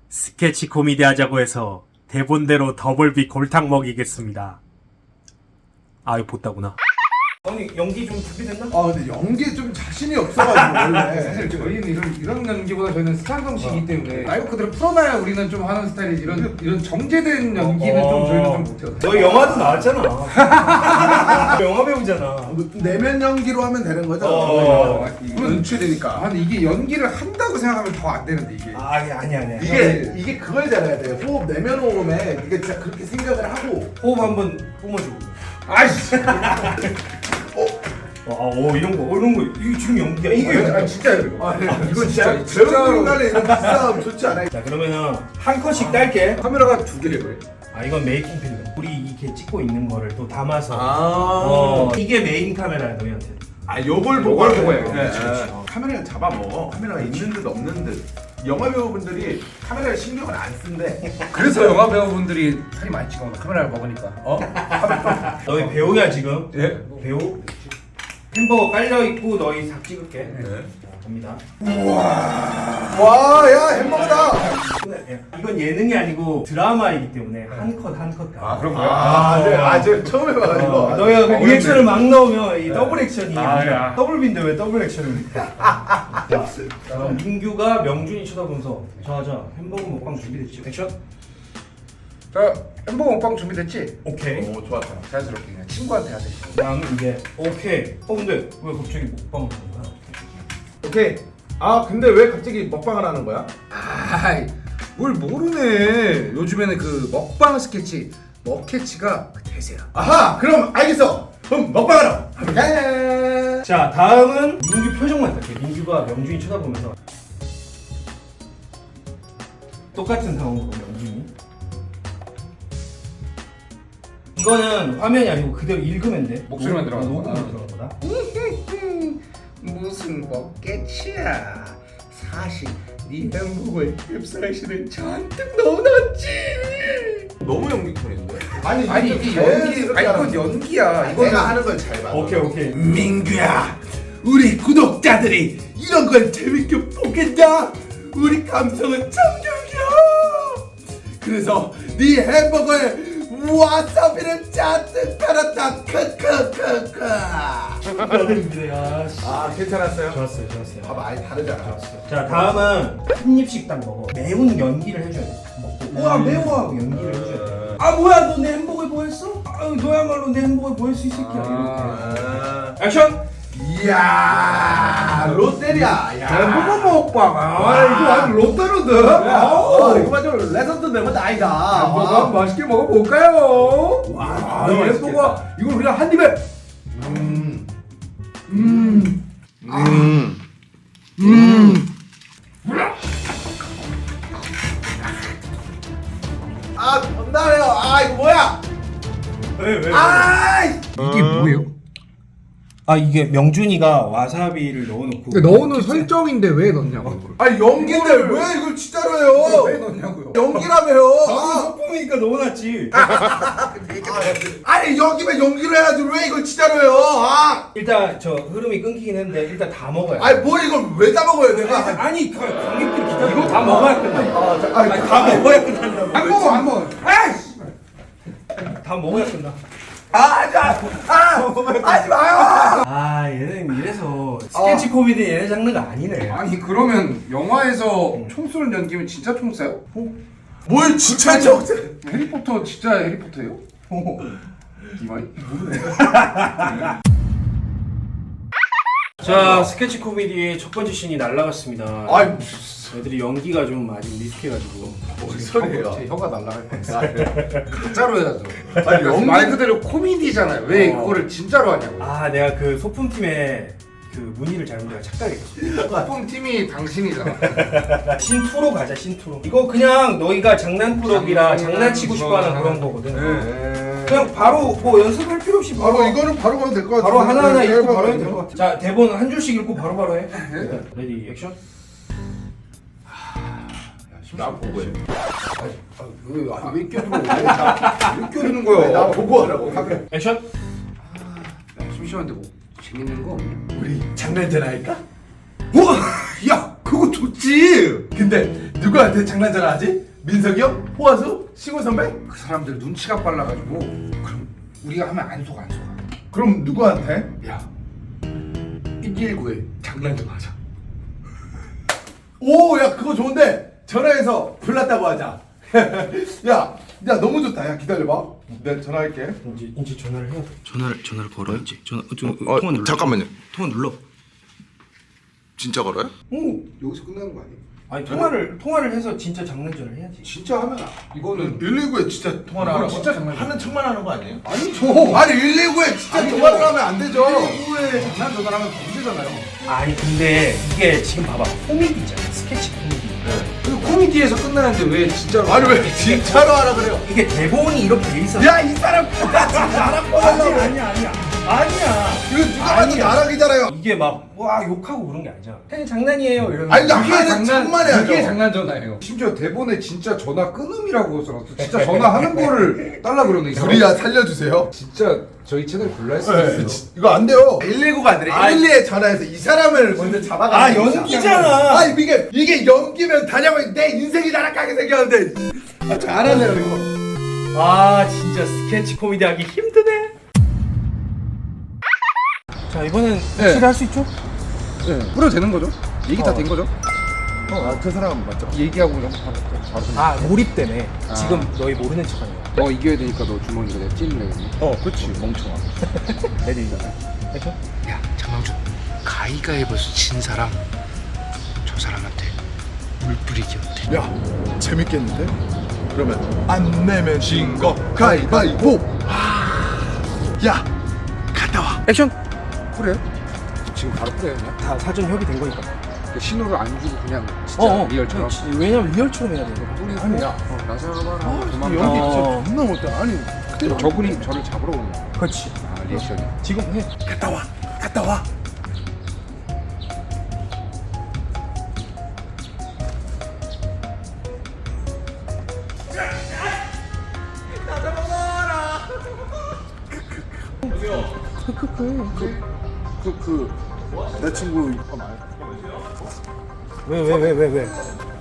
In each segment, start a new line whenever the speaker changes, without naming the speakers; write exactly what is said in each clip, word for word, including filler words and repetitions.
스케치 코미디 하자고 해서 대본대로 더블비 골탕 먹이겠습니다. 아 이거 보다구나. 아니 연기 좀 준비됐나?
아 근데 연기에 좀 자신이 없어가지고 원래
사실 저희는 이런 이런 연기보다 저희는 스타성식이기 때문에 말 그대로 풀어놔야 우리는 좀 하는 스타일이지 이런 이런 정제된 연기는
어.
좀 저희는 좀 못해요.
너 영화도 나왔잖아. 영화 배우잖아.
내면 연기로 하면 되는 거죠?
어.
연출이니까.
아니 이게 연기를 한다고 생각하면 더 안 되는데 이게.
아 아니 아니 아니.
이게 이게 그걸 잘해야 돼요. 호흡 내면 호흡에 이게 진짜 그렇게 생각을 하고.
호흡 한번 뿜어주고.
아이씨.
아, 오 이런 거, 어, 이런 거 이게 지금 연기야.
이게 아 진짜 이거.
아,
이건 진짜
배우들 간에 이런 비싸움 좋지 않아요?
자 그러면은 한 컷씩 딸게.
카메라가 두 개래요.
아 이건 메이킹 필름. 우리 이렇게 찍고 있는 거를 또 담아서.
아,
어 이게 메인 카메라야 너희한테.
아 요걸 보고
요걸
하는
보고
거예요.
해요.
네.
그렇지, 그렇지.
어. 카메라를 잡아먹어. 카메라가 있는 듯 없는 듯. 영화 배우분들이 카메라에 신경을 안 쓴대.
그래서 영화 배우분들이 살이 많이 찌거나 카메라를 먹으니까. 어?
너희 배우야 지금?
예?
배우? 햄버거 깔려 있고 너희 닭 찍을게.
네.
자 갑니다.
와, 야 햄버거다.
이건 예능이 아니고 드라마이기 때문에 한 컷 한 컷 가.
아 그런 거야?
아, 네, 아, 제가 처음 해봐가지고.
어, 너희가 그
어,
리액션을 막 넣으면 이 더블 액션이
아, 야.
더블 빈데 왜 더블 액션입니까? 자, 그럼 민규가 명준이 쳐다보면서 자자 햄버거 먹방 준비됐지? 액션?
자 햄버거 먹방 준비됐지?
오케이.
오, 좋았다.
자연스럽게 그냥 친구한테 하듯이.
다음 이게 오케이. 어 근데 왜 갑자기 먹방을 하는 거야?
오케이. 아, 근데 왜 갑자기 먹방을 하는 거야?
아이 뭘 모르네. 요즘에는 그 먹방 스케치 먹캐치가 대세야.
아하, 그럼 알겠어. 그럼 먹방하러 가볼까?
자 다음은 민규 표정만 할게. 민규가 명준이 쳐다보면서 똑같은 상황으로 명준이. 이거는 화면이 아니고 그대로 읽으면 돼.
목소리만
녹-
들어가는 거구나.
녹음만 들어간 거다.
무슨 먹캐치야. 사실 네 햄버거에 캡사이신을 잔뜩 넣어놨지.
너무 연기 톤인데? 아니,
아니 이게 연기 아니 이건 연기야. 이거는
내가 하는 걸 잘 봐.
오케이 오케이.
민규야, 우리 구독자들이 이런 걸 재밌게 보겠냐? 우리 감성은 참격이야. 그래서 네 햄버거에 와사비를 잔뜩 깔았다. 크크크크.
축하드립니다. 씨.
아, 괜찮았어요?
좋았어요 좋았어요.
봐봐, 아예 다르잖아.
자 다음은 한 입씩 딱 먹어. 매운 연기를 해줘야 돼. 먹고 우와 매워 하고 연기를 해줘야 돼. 아 뭐야 너 내 햄버거에 뭐 했어? 아 너야말로 내 햄버거에 뭐 했어 이 새끼야.
아.
이렇게. 액션.
이야, 롯데리아. 야.
햄버거 먹방. 아 이거 아주 롯데로드.
아, 이거 맞아. 레전드 메모드 아니다.
햄버거 한번 맛있게 먹어볼까요?
와,
이
너무
햄버거 이걸 그냥 한 입에.
음.
음.
음.
음.
아, 건달해요. 아, 이거 뭐야?
왜 왜?
아,
이게 뭐예요?
아 이게 명준이가 와사비를 넣어놓고.
그러니까 넣어놓은 설정인데 왜 넣냐고.
아, 연기인데 왜 이걸 진짜로 해요?
왜 넣냐고요?
연기라며요.
방금
아,
소품이니까 넣어놨지.
아니, 연기면 연기로 해야지 왜 이걸 진짜로 해요? 아,
일단 저 흐름이 끊기긴 했는데 일단 다 먹어야 돼.
아니 뭘 이걸 왜 다 먹어요, 내가?
아니 가- 관객들이 기다려. 이거 다 먹어야 끝나.
아, 자, 아니,
아니 다 먹어야 끝난다고.
안 먹어 안 먹어. 아이씨.
다 먹어야 끝나.
아, 자, 아, 하지 마요.
아 얘는 이래서 스케치 코미디 얘네 장르가 아니네.
아니 그러면 영화에서 총 쏘는 연기면 진짜 총 쏴요?
뭘 진짜 저
해리포터 진짜 해리포터예요? 이마이?
자 스케치 코미디의 첫 번째 씬이 날라갔습니다.
아이,
애들이 연기가 좀 아직 미숙해가지고.
뭔 소리예요?
제 혀가 날라갈 뻔했어. 가짜로 해야죠.
아니, 연기-
말 그대로 코미디잖아요. 왜
어.
그거를 진짜로 하냐고.
아 내가 그 소품팀에 그 문의를 잘못 내가 착각했어.
소품 팀이 당신이잖아.
신투로 가자 신투로. 이거 그냥 너희가 장난꾸러기라
장난-
장난치고 싶어하는
장난-
그런 거거든.
네.
그냥 바로 뭐 연습할 필요 없이 바로
바로 이거는 바로 가도 될 것 같아.
바로 하나하나 읽고 바로 해도 될 것 같아. 자 대본 한 줄씩 읽고 바로 바로 해. 레디 액션.
나 보고 해.
왜, 아니, 왜 껴들어? 왜 껴드는 거야?
나 보고 하라고.
액션.
야, 심심한데 뭐 재밌는 거 없냐?
우리 장난전 할까? 우와, 야, 그거 좋지. 근데 누구한테 장난 전화하지? 민석이 형? 호화수? 시골 선배?
그 사람들 눈치가 빨라가지고 그럼 우리가 하면 안 속아 안 속아.
그럼 누구한테?
야 일일구에 장난 좀 하자.
오, 야 그거 좋은데 전화해서 불났다고 하자. 야, 야 너무 좋다. 야 기다려봐. 내가 전화할게.
이제 이제 전화를 해야 돼.
전화를 전화를 걸어요 이제. 전화 좀
어,
통화 눌러.
잠깐만요.
통화 눌러.
진짜 걸어요?
응.
여기서 끝나는 거 아니에요?
아니 통화를 통화를 해서 진짜 장난전을 해야지.
진짜 하면 이거는
일일구에 진짜 통화를
이건
하라고?
진짜 장난이야.
하는 척만 하는 거 아니에요?
아니죠.
아니 일일구에 진짜
아니죠.
통화를 하면 안 되죠.
일일구에 장난 전화를 하면 범죄잖아요.
아니 근데 이게 지금 봐봐 코미디잖아. 스케치 코미디.
그 코미디에서 끝나는데 왜 진짜로?
아니 왜 진짜로 하라 그래요?
이게 대본이 이렇게 돼 있어.
야 이 사람 진짜 나랑
아니
뻔하려고.
아니야 아니야 아니야.
이거 누가 봐도
아니야.
나락이잖아요.
이게 막 와 욕하고 그런 게 아니잖아. 그냥 장난이에요 이러면.
아니 나
그게
하는
장난,
척만 해야죠.
그게 장난 전화예요. 심지어 대본에 진짜 전화 끊음이라고 써놨어. 진짜 전화하는 거를 달라 그러네. 이 사람.
우리야 살려주세요.
진짜 저희 채널 불날 수도
네,
있어요.
지- 이거 안 돼요. 일일구가 아니라 일일이에 전화해서 이 사람을 먼저 잡아가.
아 연기잖아.
아 이게 이게 연기면 다냐고 내 인생이 나락하게 생겼는데. 아 잘하네요 이거.
아 진짜 스케치 코미디 하기 힘드네. 자 이번엔 확실히 할 수 있죠?
네. 뿌려도 되는 거죠? 얘기 다
어.
된 거죠?
아그 사람 맞죠?
얘기하고 그냥 바로 바로.
아 몰입되네.
아.
지금 너희 모르는 척하는 거야.
너 이겨야 되니까 너 주머니가 내가 찔래.
어 그렇지 멍청아.
레디 액션.
야 장강준 가위가위바위보에서 진 사람 저 사람한테 물 뿌리기 어때?
야 재밌겠는데? 그러면 안 내면 진 거 가위바위보. 야 갔다 와.
액션.
그래? 지금 바로 뿌려요 그냥?
다 사전 협의된 거니까.
그 신호를 안 주고 그냥 진짜
어,
리얼처럼.
지- 왜냐면 리얼처럼 해야 돼. 이거.
아니 야 나사봐라 도망가.
연기
어.
진짜 존나 못해. 아니 그대로
저분이 저를 잡으러 오는 거야.
그렇지.
아 리액션이.
지금 해.
갔다 와. 갔다 와. 그그 내 친구
왜 왜 왜 왜 왜?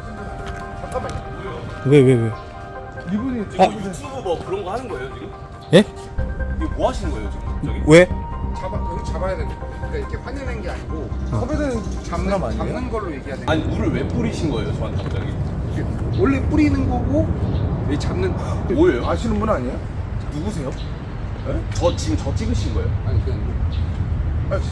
왜 왜 왜?
이분이
아.
유튜브 뭐 그런 거 하는 거예요 지금?
예?
이거 뭐 하시는 거예요 지금? 저기?
왜?
잡아 여기 잡아야 되는 거. 그러니까 이렇게 화내는 게 아니고
섭외된
잡는
사람 아니에요?
잡는 걸로 얘기하는.
아니 물을 왜 뿌리신 거예요 저한테 갑자기?
게 원래 뿌리는 거고 이 잡는.
뭐예요?
아시는 분 아니에요?
누구세요? 저 지금 저 찍으신 거예요?
아니 그냥
아씨.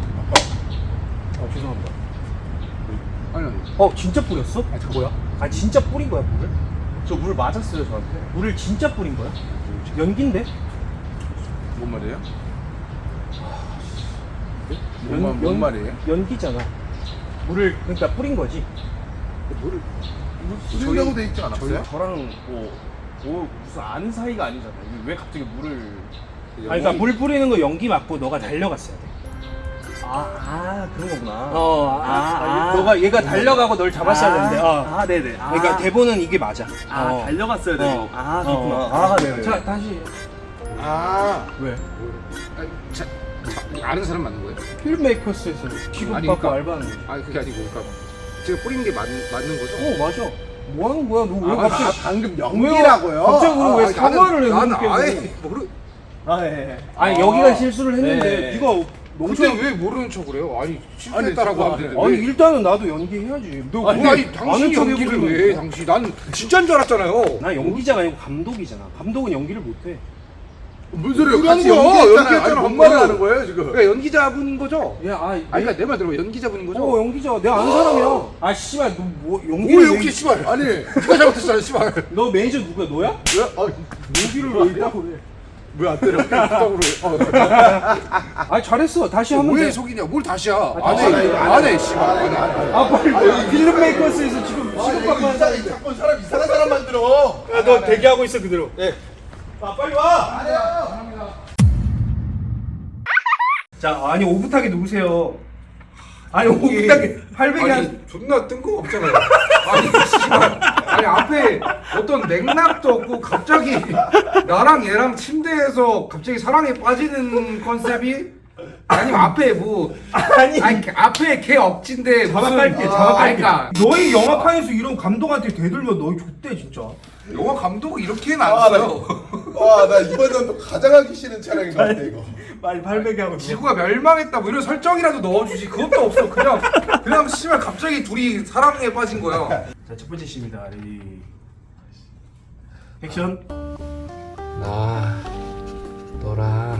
아 죄송합니다.
아니 아니.
어 진짜 뿌렸어? 아 뭐야? 아 진짜 뿌린 거야 물을?
저 물 맞았어요 저한테.
물을 진짜 뿌린 거야? 연기인데?
뭔 말이에요?
뭔, 말- 뭔 말이에요?
연기잖아. 물을 그러니까 뿌린 거지.
뭐를
뿌린다고 돼 있지 않았어요?
저희 저랑 뭐, 뭐 무슨 아는 사이가 아니잖아요. 이게 왜 갑자기 물을?
아니 그러니까 물 뿌리는 거 연기 맞고 너가 달려갔어야 돼.
아, 아 그런 거구나.
어, 아, 아, 너가 얘가 달려가고 널 잡았어야 되는데. 어.
아 네네. 아,
그러니까 대본은 이게 맞아.
아
어.
달려갔어야 되고.
어.
아 그렇구나.
어.
아 네네.
자 다시.
아
왜?
아니, 자, 자, 아는 사람 맞는 거예요?
필메이커스에서 취급
아니,
받고
그러니까-
알바하는 거지.
아니 그게 아니고 그러니까 제가 뿌린 게 맞, 맞는 거죠?
어 맞아. 뭐 하는 거야? 너 왜
아,
갑자기
아, 방금
왜-
연기라고요?
갑자기 왜
아니,
사과를 해?
나는,
그렇게
나는 아예
뭐.
모르.
아 예.
아니
아.
여기가 실수를 했는데
네.
네가
근데 왜 모르는 척을 해요? 아니 실수했다라고 하면 되는데.
아니 일단은 나도 연기해야지. 너
아니,
왜
아니
아는
당신이
척
연기를
해보는
왜?
거야?
당신 난 진짜인 줄 알았잖아요.
나 연기자가 아니고 감독이잖아. 감독은 연기를 못해.
무슨 소리예요?
그런
같이
거야.
연기했잖아요.
연기했잖아,
아니, 뭔
한
말을
번.
하는 거예요 지금?
그러니까 연기자분인 거죠?
야, 아,
아니 그러니까 내 말 들어 연기자분인 거죠?
어 연기자. 내가 아는 사람이야. 아 씨발 너 뭐
오
연기를
여기
왜-
씨발. 아니 누가 잘못했잖아 씨발.
너 매니저 누구야? 너야?
왜? 아,
연기를 왜 있다고 그래?
왜안 때려?
부탁으로
아 잘했어. 다시 하면
왜
돼.
속이냐? 뭘 다시야?
다시
안해
해.
안해 씨발 안해 안해.
아 빨리 여기 필름 메이커스에서 지금
아,
취급받고
이거
하는
이상해.
사람인데.
자꾸 사람 이상한 사람 만들어.
야, 너 대기하고 있어 그대로. 네. 아 빨리 와. 자 아니 오붓하게 누구세요? 아니 오붓하게 팔백이 한.
아니 존나 뜬금없잖아요. 아니 씨발. 아니 앞에 어떤 맥락도 없고 갑자기 나랑 얘랑 침대에서 갑자기 사랑에 빠지는 컨셉이 아니면 앞에 뭐
아니
아니 앞에 걔 억진데 무슨
자막할게
아,
자막할게.
그러니까
너희 영화판에서 이런 감독한테 대들면 너희 좆대 진짜.
영화 감독이 이렇게는 안
아, 나,
써요.
와, 나 이번 연도 가장 하기 싫은 촬영인 것 같아 이거.
빨리 팔백에 하고.
지구가 멸망했다 뭐 이런 설정이라도 넣어주지. 그것도 없어. 그냥 그냥 씨발 갑자기 둘이 사랑에 빠진 거야.
자, 첫 번째 씬입니다. 레디. 액션.
나 너랑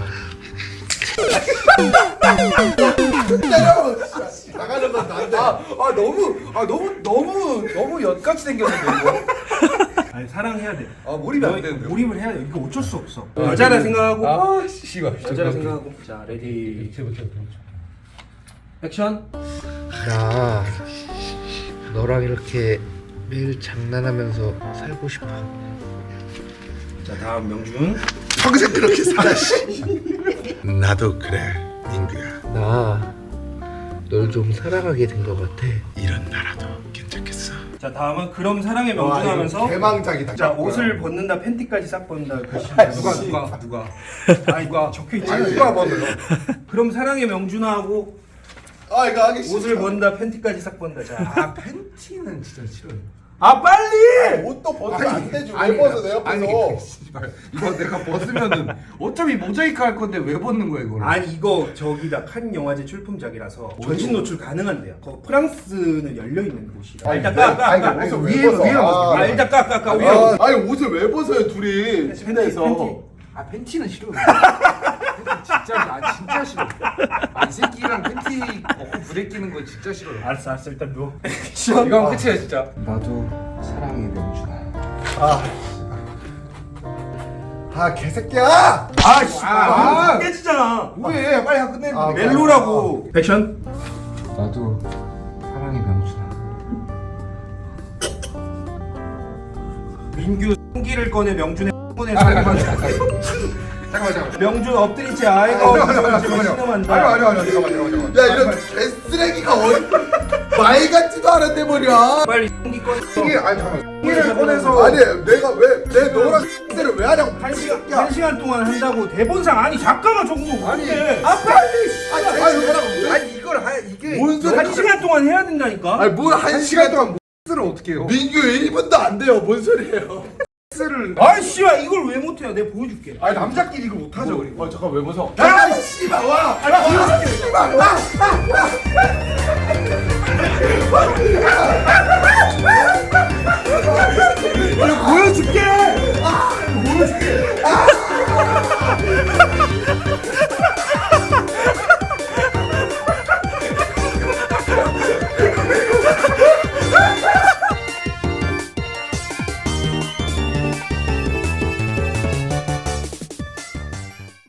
때려. 나가는 건 난데.
아, 아 너무 아 너무 너무 너무 엿같이 생겼는데 이거.
아니 사랑해야 돼.
아 몰입이 안
너희
되는데.
몰입을 해야 돼. 이거 어쩔 수 없어. 여자라 생각하고.
아 씨발.
여자라 생각하고. 자, 레디. 액션.
나 너랑 이렇게 매일 장난하면서 살고 싶어.
자, 다음 명준.
평생 그렇게 살아 씨. 나도 그래 민규야.
나 널 좀 사랑하게 된 것 같아.
이런 나라도 괜찮겠어.
자, 다음은 그럼 사랑의
와,
명준
이거
하면서.
대망작이다.
자, 옷을 벗는다, 팬티까지 싹 벗는다. 그 씬.
누가 누가 누가
아니, 누가 적혀 있지.
아니 누가 봐도요.
그럼 사랑의 명준하고
아 이거 하기 싫어.
옷을 벗는다, 팬티까지 싹 벗는다. 자,
아 팬티는 진짜 싫어요.
아 빨리!
옷도 벗으면 안 되지. 왜 벗어 내
아니
옆에서?
씨발 이거 내가 벗으면은 어차피 모자이크 할 건데 왜 벗는 거야 이거를?
아니 이거 저기다 칸 영화제 출품작이라서 전신 노출 가능한데요. 거 프랑스는 열려 있는 곳이라.
아니,
일단
왜-
까, 까,
아니,
까.
옷을
위에-
왜 벗어?
위에 벗어.
아, 일단 까, 까, 까. 위에.
아, 아니 옷을 왜 벗어요 둘이
팬티,
침대에서?
팬티.
아 팬티는 싫어요. 팬티 진짜 아 진짜 싫어. 아, 이 새끼랑 팬티 벗고 부대 끼는 거 진짜 싫어요.
알았어, 알았어. 일단 누워.
이거 하면 끝이야 진짜. 나도 사랑해 명준아.
아, 아 개새끼야!
아, 씨.
아,
아,
아.
깨지잖아.
왜 빨리 하 끝내는
아,
거.
멜로라고. 액션.
나도 사랑해 명준아.
민규 생기를 꺼내 명준의 꺼내.
아, 잠깐만 잠깐만 잠깐만.
명준 엎드린 채 아이가 없으면 신음한다.
아니요 아니요 아니요 잠깐만 잠깐만.
야 이런 개쓰레기가 어디 말 같지도 않은데 말이야.
빨리 생기 꺼내.
이게 아니 잠깐만. 이를 꺼내서
아니 내가 왜 내 너랑 X를 왜 하냐고.
한 시간 한 시간 동안 한다고 대본상 아니 잠깐만 저거
아니,
어때?
아 빨리.
아니
아니
아니
아니
아니 이걸 하 이게
뭔 소리?
한 시간 동안 해야 된다니까.
아니 뭘한
한 시간 동안 X를 어떻게 해요?
민규 일 분도 안 돼요. 뭔 소리예요?
X를
아이 씨발 이걸 왜 못해요? 내가 보여줄게.
아니 남자끼리 이거 못 하죠 그리고.
어 잠깐 왜 벗어?
아,
씨발 와.
아,
씨발 와.